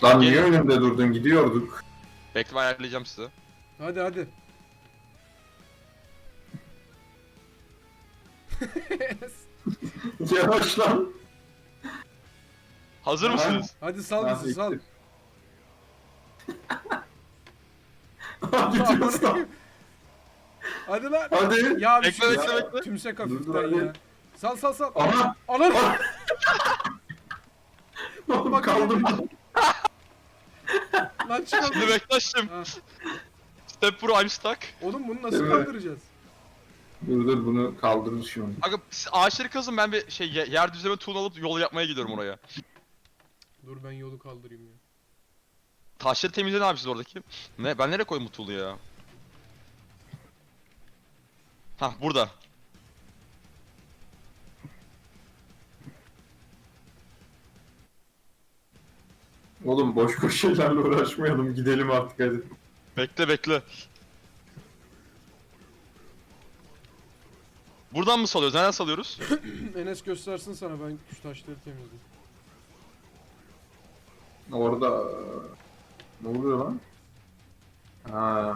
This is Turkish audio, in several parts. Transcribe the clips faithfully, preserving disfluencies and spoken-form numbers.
Lan niye Gelin. önümde durdun? Gidiyorduk. Bekle, ben ayarlayacağım sizi. Hadi hadi. Yavaş lan. Hazır Ha. mısınız? Hadi sal Ha, bizi sal. bitti. Gidiyoruz lan. Hadi lan. Hadi. Ya bir Bekle, şey bekle, ya. bekle. Tümsek Dur, dur, hafiften hadi. ya. Sal sal sal. Aha. Anam. Oğlum Bak, kaldım. Lan çıkalım. Şimdi bekle aşkım. Ha. Step Pro, I'm stuck. Oğlum bunu nasıl Evet. kaldıracağız? Dur dur bunu kaldırır şimdi. Aga siz ağaçları kazın, ben bir şey ye- yer düzleme tuğla alıp yol yapmaya gidiyorum oraya. Dur ben yolu kaldırayım ya. Taşları temizle abi siz oradaki. Ne? Ben nereye koydum bu tuğlayı ya? Hah, burada. Oğlum boş boş şeylerle uğraşmayalım. Gidelim artık hadi. Bekle bekle. Buradan mı salıyoruz? Nereden salıyoruz? Enes göstersin sana, ben şu taşları temizleyeyim. Orada... Ne oluyor lan? Ha.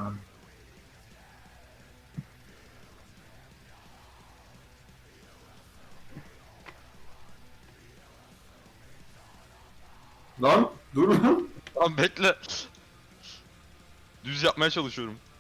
Lan dur lan. Tamam bekle. Düz yapmaya çalışıyorum.